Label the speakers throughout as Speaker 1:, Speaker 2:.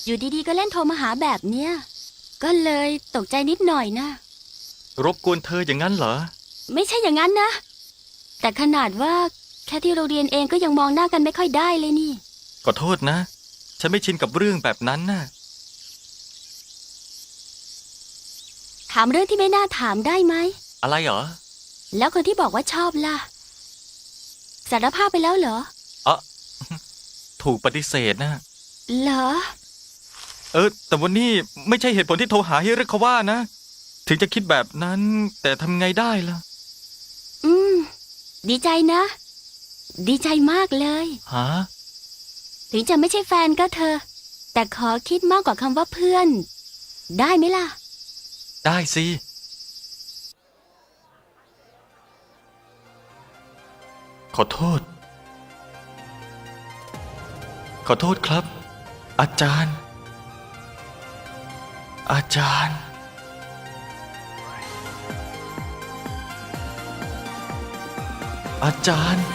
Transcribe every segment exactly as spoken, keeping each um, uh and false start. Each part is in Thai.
Speaker 1: อยู่ดีๆก็เล่นโทรมาหาแบบเนี้ยก็เลยตกใจนิดหน่อยนะ
Speaker 2: รบกวนเธออย่างนั้นเหรอ
Speaker 1: ไม่ใช่อย่างนั้นนะแต่ขนาดว่าแค่ที่เราเรียนเองก็ยังมองหน้ากันไม่ค่อยได้เลยนี่
Speaker 2: ขอโทษนะฉันไม่ชินกับเรื่องแบบนั้นน่ะ
Speaker 1: ถามเรื่องที่ไม่น่าถามได้ไหม
Speaker 2: อะไรเหรอ
Speaker 1: แล้วคนที่บอกว่าชอบล่ะสารภาพไปแล้วเหรอ
Speaker 2: อ๋อถูกปฏิเสธนะ
Speaker 1: เหรอ
Speaker 2: เออแต่วันนี้ไม่ใช่เหตุผลที่โทรหาฮิริคาวะนะถึงจะคิดแบบนั้นแต่ทำไงได้ล่ะ
Speaker 1: อืมดีใจนะดีใจมากเลย
Speaker 2: ฮะ
Speaker 1: ถึงจะไม่ใช่แฟนก็เธอแต่ขอคิดมากกว่าคำว่าเพื่อนได้ไหมล่ะ
Speaker 2: ได้สิขอโทษขอโทษครับอาจารย์อาจารย์อาจารย์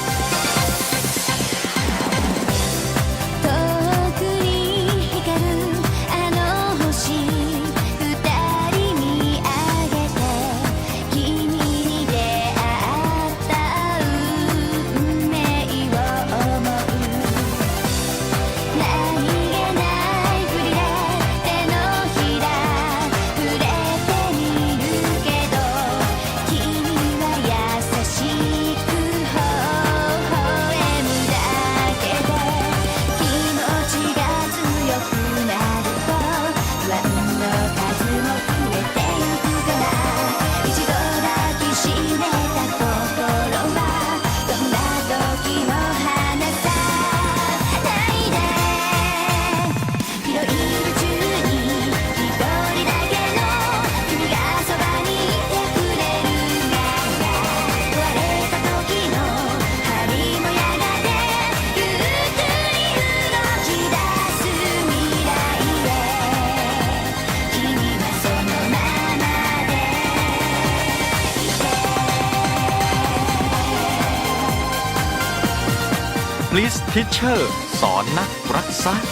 Speaker 2: Please Teacher สอนนักรักษา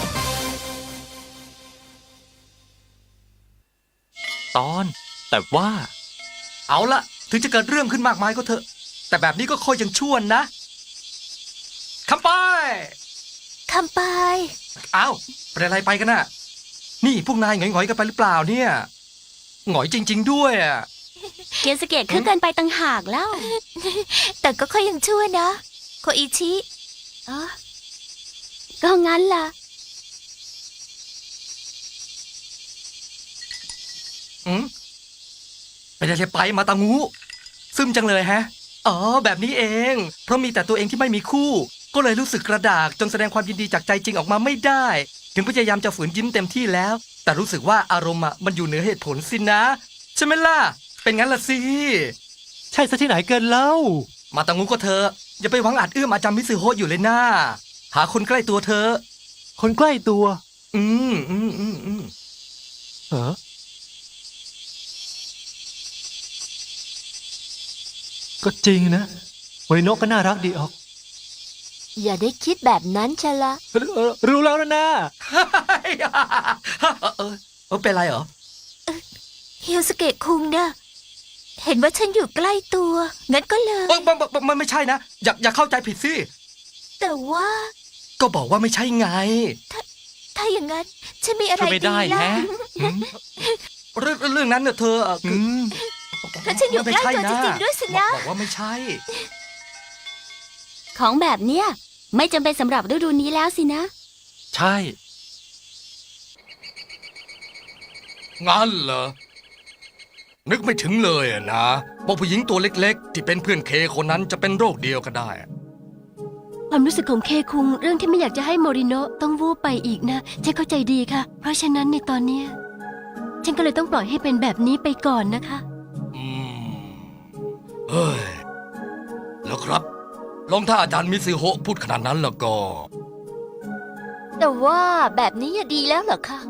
Speaker 2: ตอนแต่ว่า
Speaker 3: เอาละถึงจะเกิดเรื่องขึ้นมากมายก็เถอะแต่แบบนี้ก็ค่อยยังชั่วนะคำไป
Speaker 1: คำไป
Speaker 3: อ้าวเป็นอะไรไปกันน่ะนี่พวกนายหงอยๆกันไปหรือเปล่าเนี่ยหงอยจริงๆด้วยอ่ะ
Speaker 1: เกียนสเกตขึ้นเกินไปต่างหากแล้วแต่ก็ค่อยยังชั่วนะโคอิชิอ๋อก็งั้นล่ะ
Speaker 3: อืมเป็นอะไรไปมาตางูซึมจังเลยฮะอ๋อแบบนี้เองเพราะมีแต่ตัวเองที่ไม่มีคู่ก็เลยรู้สึกกระดากจนแสดงความยินดีจากใจจริงออกมาไม่ได้ถึงพยายามจะฝืนยิ้มเต็มที่แล้วแต่รู้สึกว่าอารมณ์อ่ะมันอยู่เหนือเหตุผลสินะใช่ไหมล่ะเป็นงั้นล่ะสิ
Speaker 4: ใช่ซะที่ไหนเกินเล่า
Speaker 3: มาตางูก็เธออย่าไปหวังอาจเอื้อมอาจารย์มิซึโฮะอยู่เลยนะหาคนใกล้ตัวเธอ
Speaker 4: คนใกล้ตัว
Speaker 3: อืมอืมอืมอืม
Speaker 4: เหรอก็จริงนะโมริโนะก็น่ารักดีออก
Speaker 1: อย่าได้คิดแบบนั้นชะละ
Speaker 4: รู้แล้วนะนะ
Speaker 3: เออเออเป็นไรเหรอ
Speaker 1: เฮียวสเกะคุงนะเห็นว่าฉันอยู่ใกล้ตัวงั้นก็เลย
Speaker 3: เออมันมันไม่ใช่นะอย่าอย่าเข้าใจผิดสิ
Speaker 1: แต่ว่า
Speaker 3: ก็บอกว่าไม่ใช่ไง
Speaker 1: ถ้าถ้าอย่างนั้นฉันมีอะไร
Speaker 2: ดีล่ะ
Speaker 3: เรื่องเรื่องนั้นเนี่ยเธอ
Speaker 1: ถ้าฉันอยู่ใกล้ตัวจริงๆด้วยสินะ
Speaker 3: บอกว่าไม่ใช่
Speaker 1: ของแบบเนี้ยไม่จำเป็นสำหรับฤดูนี้แล้วสินะ
Speaker 2: ใช่
Speaker 3: งั้นเหรอนึกไม่ถึงเลยนะว่าผู้หญิงตัวเล็กๆที่เป็นเพื่อนเคคนนั้นจะเป็นโรคเดียวก็ได้
Speaker 5: ความรู้สึกของเคคุงเรื่องที่ไม่อยากจะให้โมริโนะต้องวูบไปอีกนะฉันเข้าใจดีค่ะเพราะฉะนั้นในตอนเนี้ยฉันก็เลยต้องปล่อยให้เป็นแบบนี้ไปก่อนนะคะ
Speaker 3: อืมเฮ้ยแล้วครับลองถ้าอาจารย์มิซึโฮะพูดขนาดนั้นแล้วก็
Speaker 1: แต่ว่าแบบนี้ดีแล้วเหรอคะ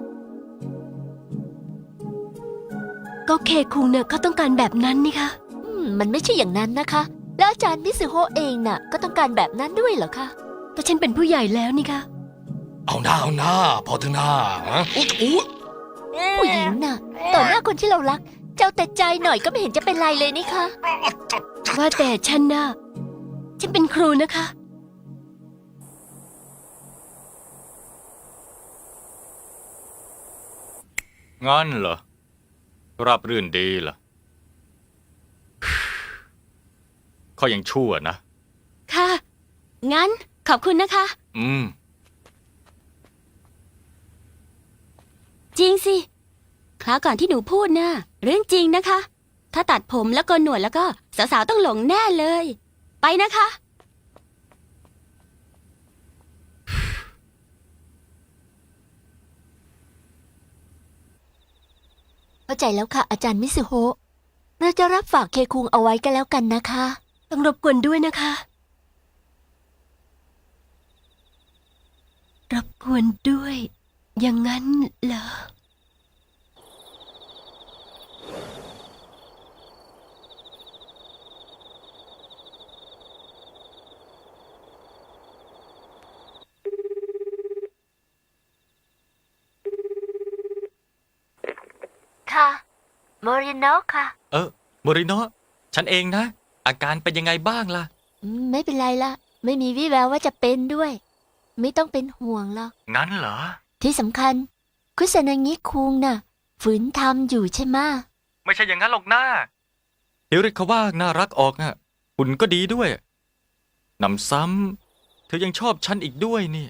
Speaker 5: ก็เคคุงเนี่ยเขาต้องการแบบนั้นนี่คะ
Speaker 1: อืมมันไม่ใช่อย่างนั้นนะคะแล้วอาจารย์มิซึโฮะเองน่ะก็ต้องการแบบนั้นด้วยเหรอคะ
Speaker 5: แต่ฉันเป็นผู้ใหญ่แล้วนี่คะ
Speaker 3: เอาหน้าเอาหน้าพอเถอะหน้าฮะอุ๊ยอุ๊ย
Speaker 5: ผู้หญิงน่ะ ต่อหน้าคนที่เรารัก เจ้าแต่ใจหน่อยก็ไม่เห็นจะเป็นไรเลยนี่คะว่าแต่ฉันน่ะ ฉันเป็นครูนะคะ
Speaker 2: งั้นเหรอ ราบรื่นดีเหรอ ข้อยังชั่วนะ
Speaker 1: ค่ะ งั้นขอบคุณนะคะ
Speaker 2: อืม
Speaker 1: จริงสิ คราวก่อนที่หนูพูดนะ่ะเรื่องจริงนะคะ ถ้าตัดผมแล้วโกนหนวดแล้วก็สาวๆต้องหลงแน่เลย ไปนะคะ
Speaker 5: เข้าใจแล้วค่ะ อาจารย์มิสุโฮะเราจะรับฝากเคคุงเอาไว้กันแล้วกันนะคะ ต้องรบกวนด้วยนะคะ รบกวนด้วย อย่างนั้นเหรอ ค่ะโมริโนะค่ะ
Speaker 2: เออโมริโนะฉันเองนะ อาการเป็นยังไงบ้างล่ะ
Speaker 5: อืมไม่เป็นไรละไม่มีวี่แววว่าจะเป็นด้วย ไม่ต้องเป็นห่วงหรอก
Speaker 2: งั้นเหรอ
Speaker 5: ที่สำคัญ คุซานางิคุงน่ะ ฝืนทำอยู่ใช่ไหมะ
Speaker 2: ไม่ใช่อย่างนั้นหรอกนะฮิริคาว่าน่ารักออกอ่ะหุ่นก็ดีด้วยหนำซ้ำเธอยังชอบฉันอีกด้วยนี่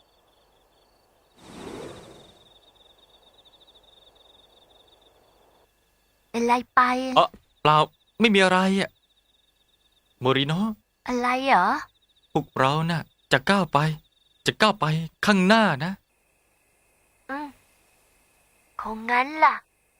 Speaker 5: เป็นไรไป
Speaker 2: เออเปล่าไม่มีอะไรอ่ะโมริโนะ
Speaker 5: อะไรเหรอ
Speaker 2: พวกเราน่ะ จะก้าวไป จะก้าวไปข้างหน้านะ
Speaker 5: อืมคงงั้นล่ะ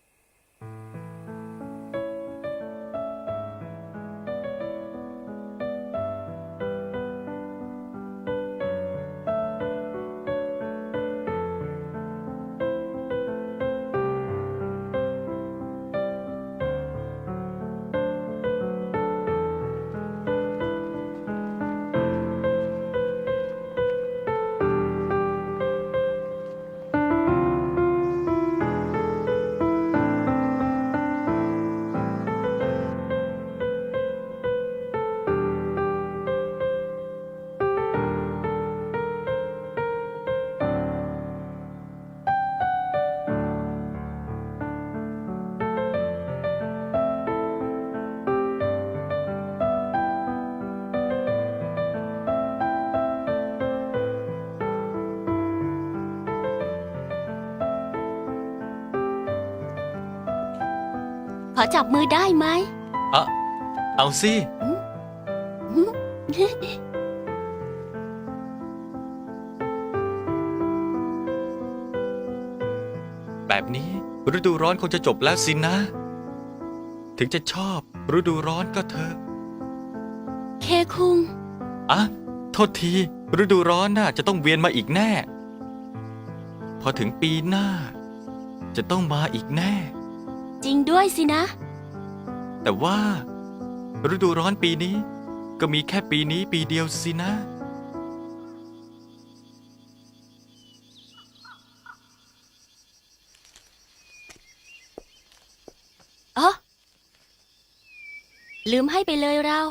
Speaker 1: ขอจับมือได้ไหม
Speaker 2: เออเอาสิ แบบนี้ฤดูร้อนคงจะจบแล้วสินะ ถึงจะชอบฤดูร้อนก็เถอะ
Speaker 1: เคคุง
Speaker 2: อ่ะ โทษที ฤดูร้อนน่ะจะต้องเวียนมาอีกแน่ พอถึงปีหน้า จะต้องมาอีกแน่
Speaker 1: จริงด้วยสินะ
Speaker 2: แต่ว่า ฤดูร้อนปีนี้ ก็มีแค่ปีนี้ปีเดียวสินะ
Speaker 1: อ๋อ ลืมให้ไปเลยเรา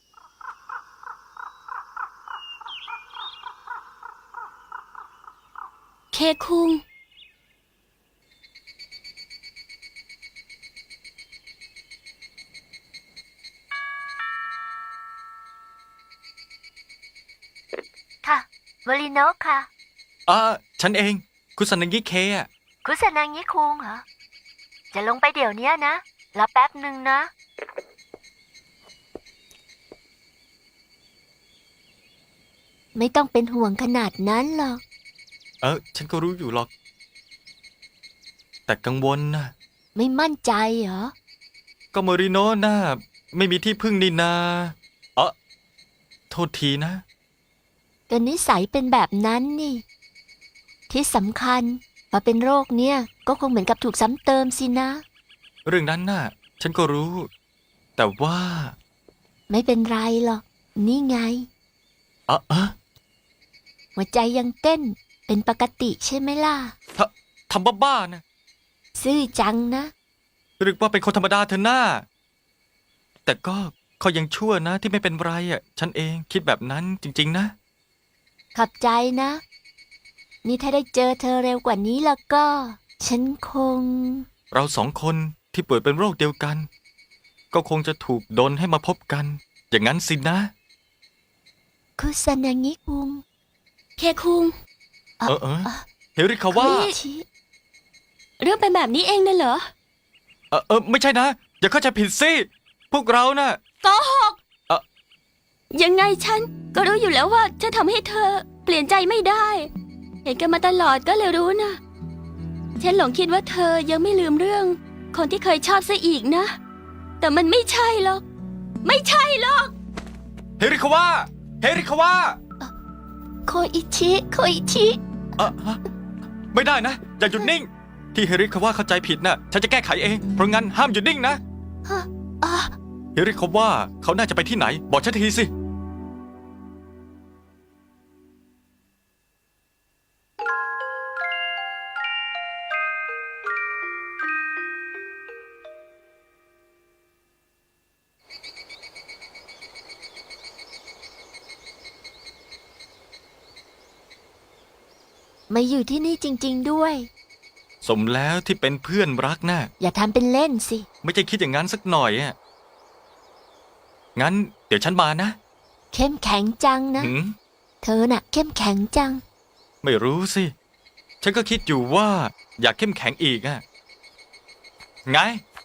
Speaker 1: เคคุง
Speaker 5: ค่ะโมริโนะค่ะ
Speaker 2: อ่าฉันเอง คุณสันงิเคอะ
Speaker 5: คุซานางิคุงเหรอ จะลงไปเดี๋ยวนี้นะ รอแป๊บหนึ่งนะ ไม่ต้องเป็นห่วงขนาดนั้นหรอก
Speaker 2: เออ ฉันก็รู้อยู่หรอก แต่กังวลนะ
Speaker 5: ไม่มั่นใจเหรอ
Speaker 2: ก็โมริโนะน่ะไม่มีที่พึ่งนี่นาเออโทษทีนะ
Speaker 5: ก็นิสัยเป็นแบบนั้นนี่ ที่สำคัญพอเป็นโรคเนี่ยก็คงเหมือนกับถูกซ้ำเติมสินะ
Speaker 2: เรื่องนั้นน่ะ ฉันก็รู้ แต่ว่า
Speaker 5: ไม่เป็นไรหรอก นี่ไง
Speaker 2: เออเออ
Speaker 5: หัวใจยังเต้น
Speaker 6: เป็นปกติใช่ไหมล่ะ
Speaker 2: ทำบ้าๆนะ
Speaker 6: ซื่อจังนะ
Speaker 2: หรือว่าเป็นคนธรรมดาเธอหน้า แต่ก็เขายังชั่วนะที่ไม่เป็นไรอ่ะ ฉันเองคิดแบบนั้นจริง ๆ นะ
Speaker 6: ขอบใจนะ นี่ถ้าได้เจอเธอเร็วกว่านี้แล้วก็ ฉันคง
Speaker 2: เราสองคนที่ป่วยเป็นโรคเดียวกัน ก็คงจะถูกดลให้มาพบกัน อย่างนั้นสินะ
Speaker 6: คุซานางิคุง
Speaker 1: เคคุง
Speaker 6: อ่ะ
Speaker 2: เออเออ
Speaker 6: อ่ะ
Speaker 2: เฮริคาว่า
Speaker 6: โคอิชิ
Speaker 1: เรื่องเป็นแบบนี้เองน่ะเหรอ
Speaker 2: เออเออไม่ใช่นะ อย่าเข้าใจผิดสิ พวกเราน่ะ
Speaker 1: โกหก
Speaker 2: เอ่อ
Speaker 1: ยังไงฉันก็รู้อยู่แล้วว่าจะทำให้เธอเปลี่ยนใจไม่ได้ เห็นกันมาตลอดก็เลยรู้นะ ฉันหลงคิดว่าเธอยังไม่ลืมเรื่อง คนที่เคยชอบซะอีกนะ แต่มันไม่ใช่หรอก ไม่ใช่หรอก
Speaker 2: เฮริคาว่า เฮริคาว่า
Speaker 6: โคอิชิ โคอิชิ
Speaker 2: เออฮะไม่ได้นะ อย่าหยุดนิ่ง ที่เฮริคาว่าเข้าใจผิดน่ะ ฉันจะแก้ไขเอง เพราะงั้นห้ามหยุดนิ่งนะ
Speaker 6: อ่ะ
Speaker 2: เฮริคาว่าเขาน่าจะไปที่ไหน บอกฉันทีสิ
Speaker 6: มาอยู่ที่นี่จริง ๆด้วย
Speaker 2: สมแล้วที่เป็นเพื่อนรักน่ะ
Speaker 6: อย่าทำเป็นเล่นสิ
Speaker 2: ไม่ใช่คิดอย่างนั้นสักหน่อยอ่ะ งั้นเดี๋ยวฉันมานะ
Speaker 6: เข้มแข็งจังนะ
Speaker 2: หืม
Speaker 6: เธอน่ะ เข้มแข็งจัง
Speaker 2: ไม่รู้สิ ฉันก็คิดอยู่ว่าอยากเข้มแข็งอีกอ่ะ ไง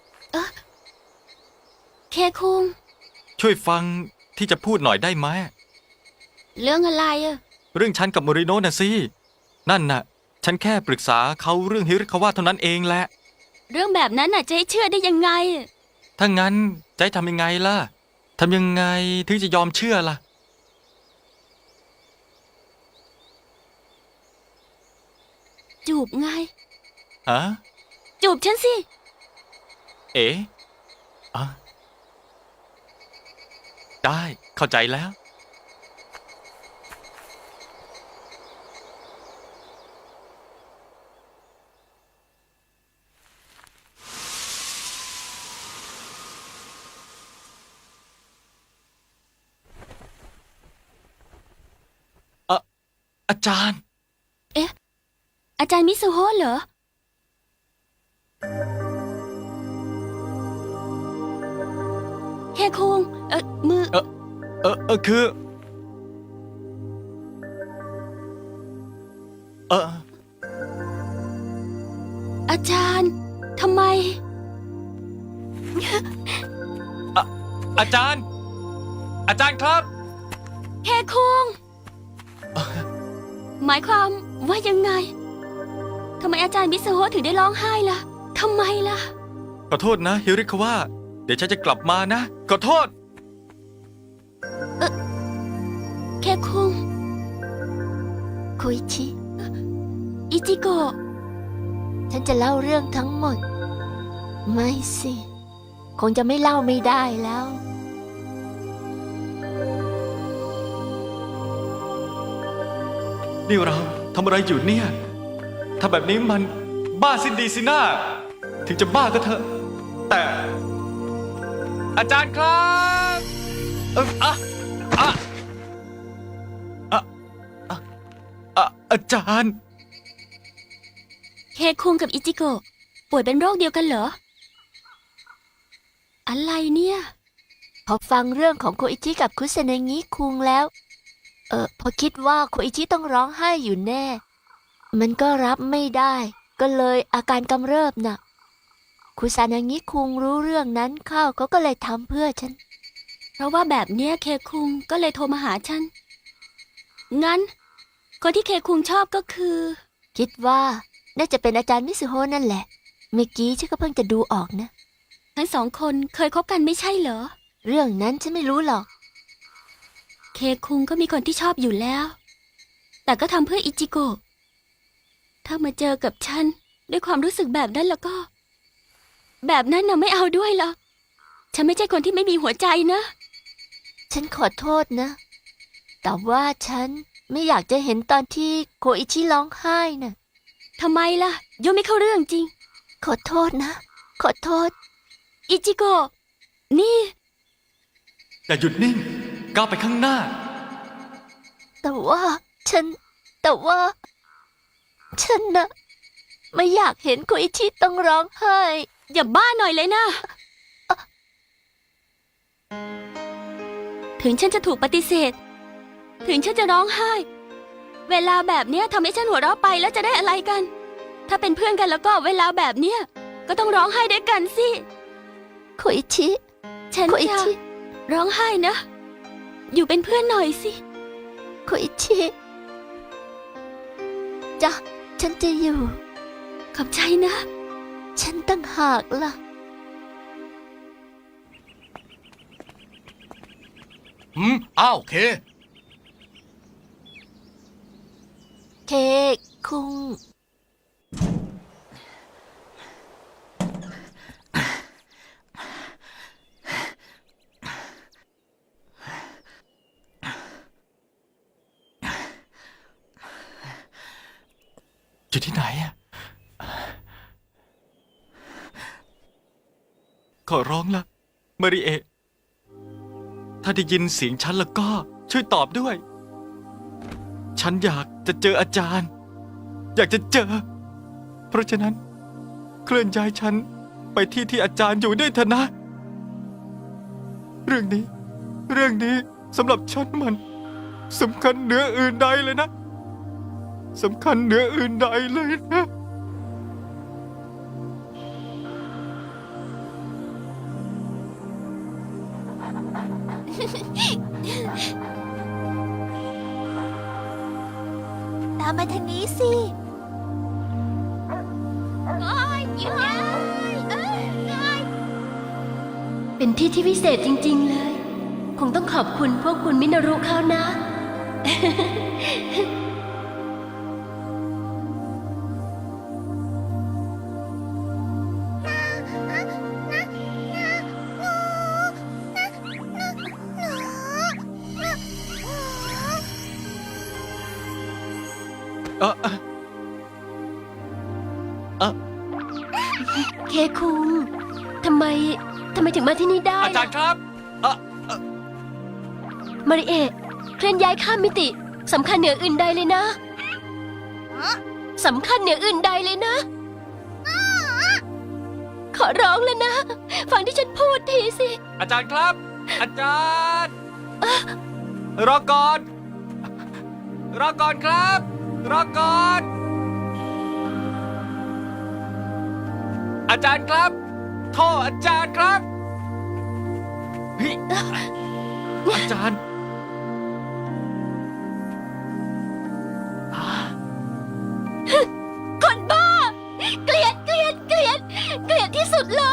Speaker 1: เคคุง
Speaker 2: ช่วยฟังที่จะพูดหน่อยได้ไหม
Speaker 1: เรื่องอะไรอะ
Speaker 2: เรื่องฉันกับโมริโนะน่ะสิ นั่นน่ะ ฉันแค่ปรึกษาเขาเรื่องฮิริคาวะเท่านั้นเองแหละ
Speaker 1: เรื่องแบบนั้นน่ะจะให้เชื่อได้ยังไง
Speaker 2: ถ้างั้นจะให้ทำยังไงล่ะ ทำยังไงถึงจะยอมเชื่อล่ะ
Speaker 1: จูบไง
Speaker 2: ฮะ
Speaker 1: จูบฉันสิ
Speaker 2: เอ๋อะได้เข้าใจแล้ว อะอาจารย์
Speaker 1: อาจารย์มิสุโฮะเหรอ เคคุง เออมือ
Speaker 2: เออเออเออคือ เออ
Speaker 1: อาจารย์ ทำไม
Speaker 2: อาจารย์ อาจารย์ครับ
Speaker 1: เคคุง หมายความว่ายังไง ทำไมอาจารย์มิสุโฮะถึงได้ร้องไห้ล่ะ ทำไมล่ะ
Speaker 2: ขอโทษนะฮิริคาวะเดี๋ยวฉันจะกลับมานะ ขอโทษ
Speaker 1: เคคุง
Speaker 6: โคอิชิ
Speaker 1: อิจิโกะ
Speaker 6: ฉันจะเล่าเรื่องทั้งหมด ไม่สิ คงจะไม่เล่าไม่ได้แล้ว
Speaker 2: นี่เราทำอะไรอยู่เนี่ยถ้าแบบนี้มันบ้าสิ้นดีสินะถึงจะบ้าก็เถอะ แต่ อาจารย์ครับเอออะอะอะอะอะอาจารย์
Speaker 1: เคคุงกับอิจิโกะป่วยเป็นโรคเดียวกันเหรอ อะไรเนี่ย
Speaker 6: พอฟังเรื่องของโคอิชิกับคุซานางิคุงแล้ว เออพอคิดว่าโคอิชิต้องร้องไห้อยู่แน่ มันก็รับไม่ได้ ก็เลยอาการกำเริบน่ะ คุซานางิคุงรู้เรื่องนั้นเข้าเขาก็เลยทำเพื่อฉัน
Speaker 1: เพราะว่าแบบเนี้ยเคคุงก็เลยโทรมาหาฉัน งั้น คนที่เคคุงชอบก็คือ
Speaker 6: คิดว่าน่าจะเป็นอาจารย์มิสุโฮะนั่นแหละ เมื่อกี้ฉันก็เพิ่งจะดูออกนะ
Speaker 1: ทั้งสองคนเคยคบกันไม่ใช่เหรอ
Speaker 6: เรื่องนั้นฉันไม่รู้หรอก
Speaker 1: เคคุงก็มีคนที่ชอบอยู่แล้ว แต่ก็ทำเพื่ออิจิโกะ ถ้ามาเจอกับฉันด้วยความรู้สึกแบบนั้นแล้วก็ แบบนั้นน่ะไม่เอาด้วยหรอก ฉันไม่ใช่คนที่ไม่มีหัวใจนะ
Speaker 6: ฉันขอโทษนะ แต่ว่าฉันไม่อยากจะเห็นตอนที่โคอิชิร้องไห้น่ะ
Speaker 1: ทำไมล่ะโยไม่เข้าเรื่องจริง
Speaker 6: ขอโทษนะ ขอโทษ
Speaker 1: อิจิโกะนี่
Speaker 2: อย่าหยุดนิ่ง ก้าวไปข้างหน้า
Speaker 6: แต่ว่าฉัน แต่ว่า ฉันนะไม่อยากเห็นโคอิชิต้องร้องไห้
Speaker 1: อย่าบ้าหน่อยเลยนะ ถึงฉันจะถูกปฏิเสธ ถึงฉันจะร้องไห้ เวลาแบบเนี้ยทำให้ฉันหัวเราะไปแล้วจะได้อะไรกัน ถ้าเป็นเพื่อนกันแล้วก็เวลาแบบเนี้ยก็ต้องร้องไห้ด้วยกันสิ
Speaker 6: โคอิชิ
Speaker 1: ฉัน
Speaker 6: โคอิ
Speaker 1: จะ
Speaker 6: ชิ
Speaker 1: ร้องไห้นะ อยู่เป็นเพื่อนหน่อยสิ
Speaker 6: โคอิชิจ้ะฉันจะอยู่
Speaker 1: ขอบใจนะ
Speaker 6: ฉันตั้งหากล่ะ
Speaker 3: อืม อ้าว เค
Speaker 6: เคกคุง
Speaker 2: อยู่ที่ไหนอะขอร้องละมาริเอะถ้าได้ยินเสียงฉันแล้วก็ช่วยตอบด้วย ฉันอยากจะเจออาจารย์ อยากจะเจอ เพราะฉะนั้น เคลื่อนย้ายฉันไปที่ที่อาจารย์อยู่ด้วยเถอะนะ เรื่องนี้ เรื่องนี้สำหรับฉันมันสำคัญเหนืออื่นใดเลยนะสำคัญเหนืออื่นใดเลยนะ
Speaker 6: ตามมาทางนี้สิ
Speaker 5: เป็นที่ที่พิเศษจริง ๆ เลย คงต้องขอบคุณพวกคุณมินารุเขานะ
Speaker 2: เออเออเออ
Speaker 5: เคคุงทำไมทำไมถึงมาที่นี่ได้
Speaker 2: อาจารย์ครับเออ
Speaker 5: มาริเอะเคลื่อนย้ายข้ามมิติสำคัญเหนืออื่นใดเลยนะสำคัญเหนืออื่นใดเลยนะ ขอร้องเลยนะ ฟังที่ฉันพูดทีสิ
Speaker 2: อาจารย์ครับ อาจารย์รอก่อน รอก่อนครับ รอก่อน อาจารย์ครับโทษอาจารย์ครับเฮ้ยอาจารย์อ่า
Speaker 5: คนบ้า เกลียดเกลียดเกลียดเกลียดที่สุดเลย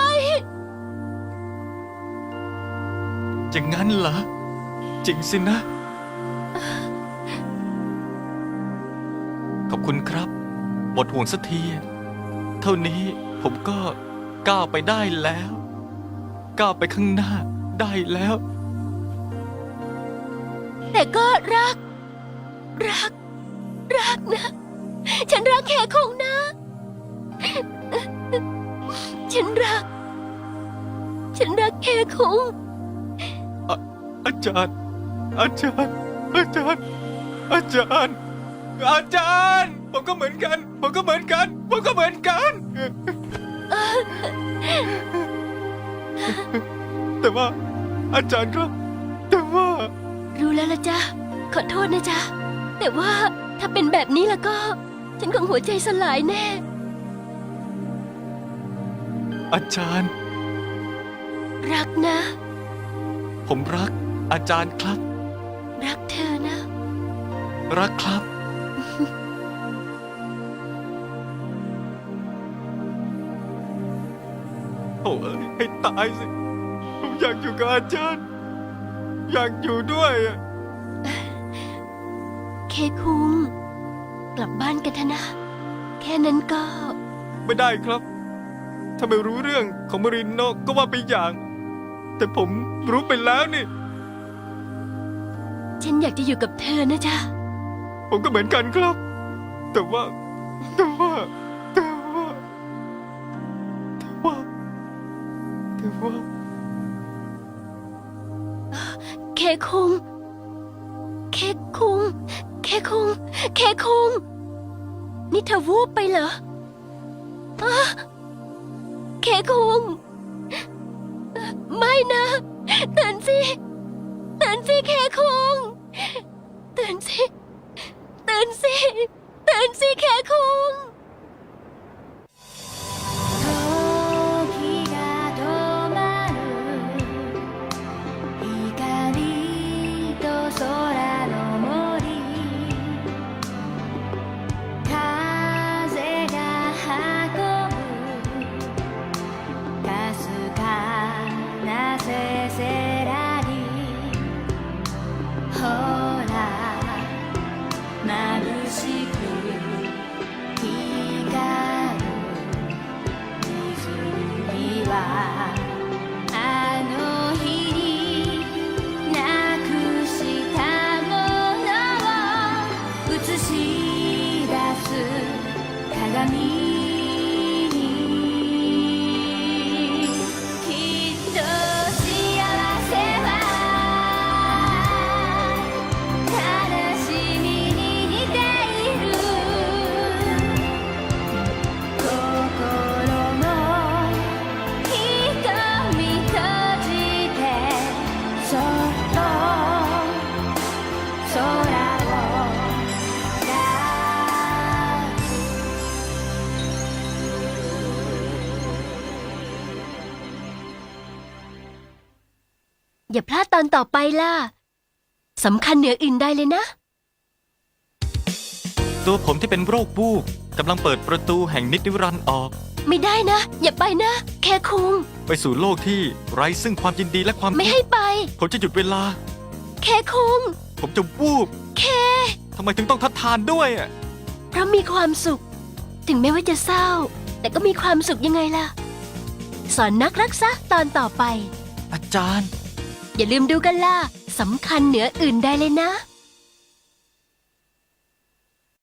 Speaker 2: อย่างนั้นเหรอ จริงสินะ ขอบคุณครับหมดห่วงสักที เท่านี้ผมก็ก้าวไปได้แล้ว ก้าวไปข้างหน้าได้แล้ว
Speaker 5: แต่ก็รัก รัก รักนะ ฉันรักแขคงนะ ฉันรัก ฉันรักแขคง
Speaker 2: อาจารย์ อาจารย์ อาจารย์ อาจารย์ อาจารย์ ผมก็เหมือนกัน ผมก็เหมือนกัน ผมก็เหมือนกัน แต่ว่า อาจารย์ครับ แต่ว่า
Speaker 5: รู้แล้วละจ๊ะ ขอโทษนะจ๊ะ แต่ว่าถ้าเป็นแบบนี้แล้วก็ ฉันคงหัวใจสลายแน่
Speaker 2: อาจารย์
Speaker 5: รักนะ
Speaker 2: ผมรัก อาจารย์ครับ
Speaker 5: รักเธอนะ
Speaker 2: รักครับ โอ้ยให้ตายสิ ผมอยากอยู่กับอาจารย์ อยากอยู่ด้วยอะ
Speaker 5: เคคุง กลับบ้านกันเถอะนะ แค่นั้นก็
Speaker 2: ไม่ได้ครับ ถ้าไม่รู้เรื่องของมารินโนะก็ว่าไปอย่าง แต่ผมรู้ไปแล้วนี่
Speaker 5: ฉันอยากจะอยู่กับเธอนะจ๊ะ
Speaker 2: ผมก็เหมือนกันครับ แต่ว่า แต่ว่า แต่ว่า แต่ว่า แต่ว่า
Speaker 5: เคคุง เคคุง เคคุง เคคุง นี่เธอวูบไปเหรออะเคคุง ไม่นะตื่นสิตื่นสิเคคุงตื่นสิตื่นสิตื่นสิเคคุง
Speaker 7: 時が止まる光と空の森風が運ぶかすかなせせらぎほら眩しく光る君はあの日になくしたものを映し出す鏡にきっと幸せは悲しみに似ている心の瞳閉じてそっと空を抱く
Speaker 5: อย่าพลาดตอนต่อไปล่ะสำคัญเหนืออื่นใดเลยนะ
Speaker 2: ตัวผมที่เป็นโรคบูบกำลังเปิดประตูแห่งนิจนิรันดร์ออก
Speaker 5: ไม่ได้นะ อย่าไปนะ แค่คุง
Speaker 2: ไปสู่โลกที่ไร้ซึ่งความยินดีและความ
Speaker 5: ไม่
Speaker 2: ทุก
Speaker 5: ให้
Speaker 2: ข์
Speaker 5: ไป
Speaker 2: ผมจะหยุดเวลา
Speaker 5: แค่คุง
Speaker 2: ผมจะวูบ
Speaker 5: แค่
Speaker 2: ทำไมถึงต้องทัดทานด้วยอะ
Speaker 5: เพราะมีความสุข ถึงแม้ว่าจะเศร้า แต่ก็มีความสุขยังไงล่ะ สอนนักรักษาตอนต่อไป
Speaker 2: อาจารย์
Speaker 5: อย่าลืมดูกันล่ะสำคัญเหนืออื่นใดเลยนะ